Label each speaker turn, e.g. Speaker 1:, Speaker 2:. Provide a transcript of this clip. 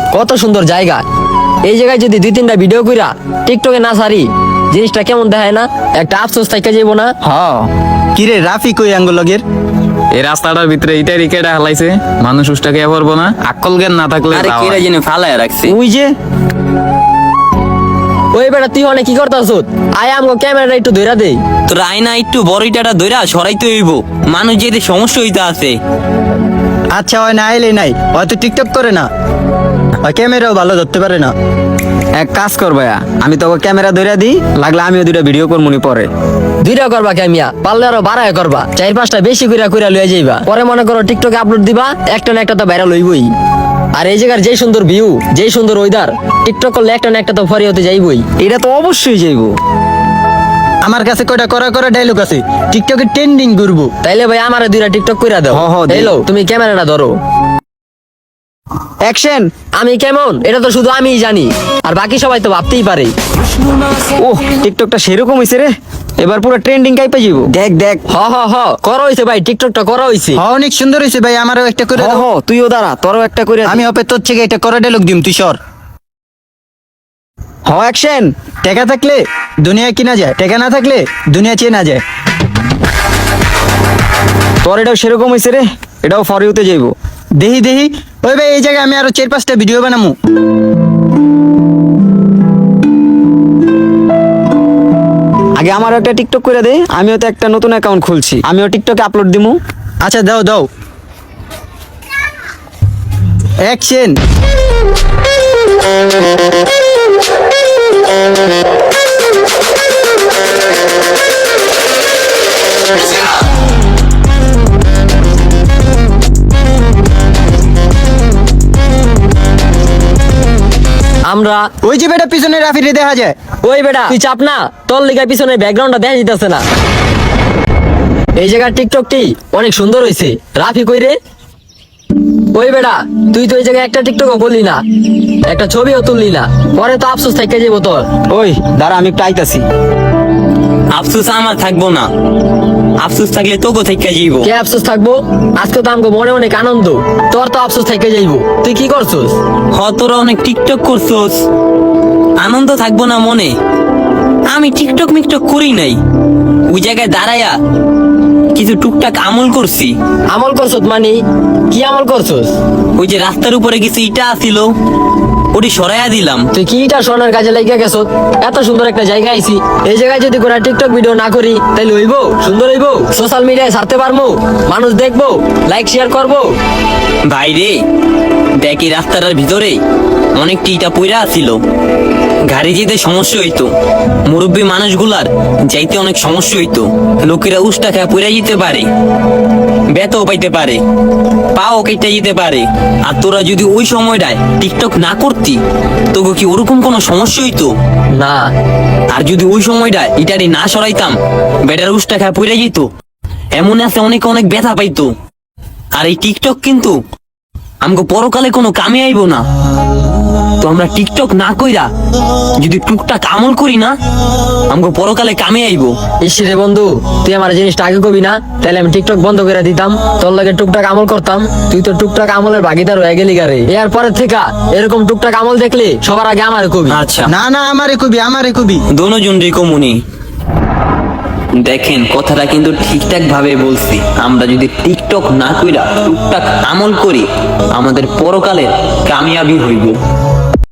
Speaker 1: কত সুন্দর জায়গা। এই জায়গায় যদি 2-3টা ভিডিও কইরা টিকটকে না ছাড়ি, জিনিসটা কেমন দেখায় না? একটা আফসোস থাইকা যাইবো না?
Speaker 2: কিরে রাফি কই আঙ্গুলগের?
Speaker 3: এই রাস্তাটার ভিতরে ইটা রিকেটা হালাইছে, মানুষ উষ্টাকে পারবো না, আকল জ্ঞান না থাকলে
Speaker 4: আরে
Speaker 3: তাও
Speaker 4: কেরা
Speaker 3: হয়।
Speaker 4: জেনে ফালায় রাখছে।
Speaker 2: ওই যে
Speaker 1: ওই বেটা তুই অনেক কি করতাছ? আয় আমগো ক্যামেরাটা একটু ধইরা দেই।
Speaker 4: তোর আয়না একটু বড় ইটাটা ধইরা সরাইতে হইব, মানুষ যেতে সমস্যা হইতে আছে।
Speaker 2: আচ্ছা হয় না আইলে নাই, হয়তো টিকটক করে না, ওই ক্যামেরাও ভালো ধরতে পারে না।
Speaker 5: এক কাজ কর ভাইয়া, আমি তোকে ক্যামেরা ধরে দিই, লাগলে আমিও 2টা ভিডিও করবো নি পরে।
Speaker 1: 2টা করবা ক্যামিয়া, পারলে আরো বাড়ায় করবা, 4-5টা বেশি কইরা লইয়া যাইবা। পরে মনে করো টিকটকে আপলোড দিবা, একটা না একটা তো ভাইরাল হইবই। আর এই জায়গার যেই সুন্দর ভিউ, যেই সুন্দর ওয়েদার, টিকটক করলে একটা না একটা তো ফরি হতে যাইবই।
Speaker 5: এটা তো অবশ্যই যাইবো।
Speaker 2: আমার কাছে কয়টা করা করা ডায়লগ আছে, টিকটকে ট্রেন্ডিং করবো।
Speaker 1: তাইলে ভাই আমারে 2টা টিকটক কইরা দাও।
Speaker 5: হ, দেই।
Speaker 1: হ্যালো, তুমি ক্যামেরাটা ধরো।
Speaker 5: অ্যাকশন।
Speaker 1: আমি কেমন এটা তো শুধু আমিই জানি, আর বাকি সবাই তো ভাবতেই পারে।
Speaker 5: ওহ, টিকটকটা সেরকম হইছে রে, এবার পুরো ট্রেন্ডিং কাইপা যাইবো। দেখ দেখ।
Speaker 1: হ করা হইছে ভাই, টিকটকটা করা হইছে।
Speaker 2: অনেক সুন্দর হয়েছে ভাই, আমারও একটা করে দাও।
Speaker 5: তুইও দাঁড়া, তোরও একটা করে
Speaker 2: আমি হবে তোর থেকে একটা করা ডায়লগ দিম, তুই সর।
Speaker 5: অ্যাকশন।
Speaker 2: টাকা থাকলে দুনিয়া কিনা যায়, টাকা না থাকলে দুনিয়া চেনা যায়।
Speaker 5: তোর এটাও সেরকম হইছে রে, এটাও ফর ইউতে যাইবো।
Speaker 2: দেহি দেহি ওই ভাই, এই জায়গায় আমি আরো 4-5টা ভিডিও বানামু।
Speaker 5: আগে আমার একটা টিকটক করে দে, আমিও তো একটা নতুন অ্যাকাউন্ট খুলছি, আমিও টিকটকে আপলোড দিমু।
Speaker 2: আচ্ছা দাও দাও, অ্যাকশন।
Speaker 1: আমরা
Speaker 2: ওই যে বেটা পিছনে রাফিরে দেখা যায়।
Speaker 1: ওই বেটা তুই চাপ না, তোর লিগার পিছনে ব্যাকগ্রাউন্ডটা দেখা যেতেছে না। এই জায়গার টিকটকটি অনেক সুন্দর হইছে। রাফি কই রে? ওই বেটা তুই তো এই জায়গায় একটা টিকটকও করলি না, একটা ছবিও তুললি না, পরে তো আফসোস থেকে যাবো তোর।
Speaker 5: ওই দাঁড়া, আমি একটু আইতাছি।
Speaker 4: আফসোস আমার থাকবো না, আফসোস থাকলে তোকে থেকে যাইব।
Speaker 1: কে আফসোস থাকবো? আজকে তো আমগো মনে অনেক আনন্দ, তোর তো আফসোস থেকে যাইবো। তুই কি করছস?
Speaker 4: তোরা অনেক টিকটক করছোস, আনন্দ থাকবো না মনে? আমি টিকটক মিকটক করি নাই, ওই জায়গায় দাঁড়ায়া কিছু টুকটাক আমল করছি।
Speaker 1: আমল করছস মানে কি আমল করছস?
Speaker 4: ওই যে রাস্তার উপরে কিছু ইটা আসিল, ওটি সরাইয়া দিলাম।
Speaker 1: তুই কি এটা সোনার কাজে লাগিয়া গেছ? এত সুন্দর একটা জায়গা আইছি, এই জায়গায় যদি কোনো টিকটক ভিডিও না করি তাহলে হইবো? সুন্দর হইবো? সোশ্যাল মিডিয়ায় ছাড়তে পারবো, মানুষ দেখবো, লাইক শেয়ার করবো।
Speaker 4: ভাইরে দেখি রাস্তাটার ভিতরে অনেকটি ইটা পইরা আসিল, গাড়ি যেতে সমস্যা হইতো, মুরব্বী মানুষগুলার যাইতে অনেক সমস্যা হইতো, লোকেরা উষ্টা খেয়ে পইরা যেতে পারে, ব্যথাও পাইতে পারে, পাও কেটে যেতে পারে। আর তোরা যদি ওই সময়টায় টিকটক না করতি, তোকে কি ওরকম কোনো সমস্যা হইতো
Speaker 1: না।
Speaker 4: আর যদি ওই সময়টা ইটারি না সরাইতাম, বেটার উষ্টা খেয়ে পইরা যেত, এমন আছে অনেক অনেক ব্যথা পাইতো। আর এই টিকটক কিন্তু আমাকে পরকালে কোনো কামে আইব না। তো আমরা টিকটক না কইরা যদি টুকটাক আমল করি না, আমাকে পরকালে কামে আইব।
Speaker 1: ইসরে বন্ধু, তুই আমার জিনিসটা আগে কবি না, তাহলে আমি টিকটক বন্ধ করে দিতাম, তোর লাগে টুকটাক আমল করতাম। তুই তো টুকটাক আমলের ভাগিদার হয়ে গেলি গারে। এর পরের থেকে এরকম টুকটাক আমল দেখলে সবার আগে আমার কবি।
Speaker 4: আচ্ছা,
Speaker 2: না না, আমারে কবি, আমারে কবি।
Speaker 4: দোনোজন রিকমুনি দেখেন, কথাটা কিন্তু ঠিকঠাক ভাবে বলছি। আমরা যদি টিকটক না কইরা টুকটাক আমল করি, আমাদের পরকালে কামিয়াবি হইব।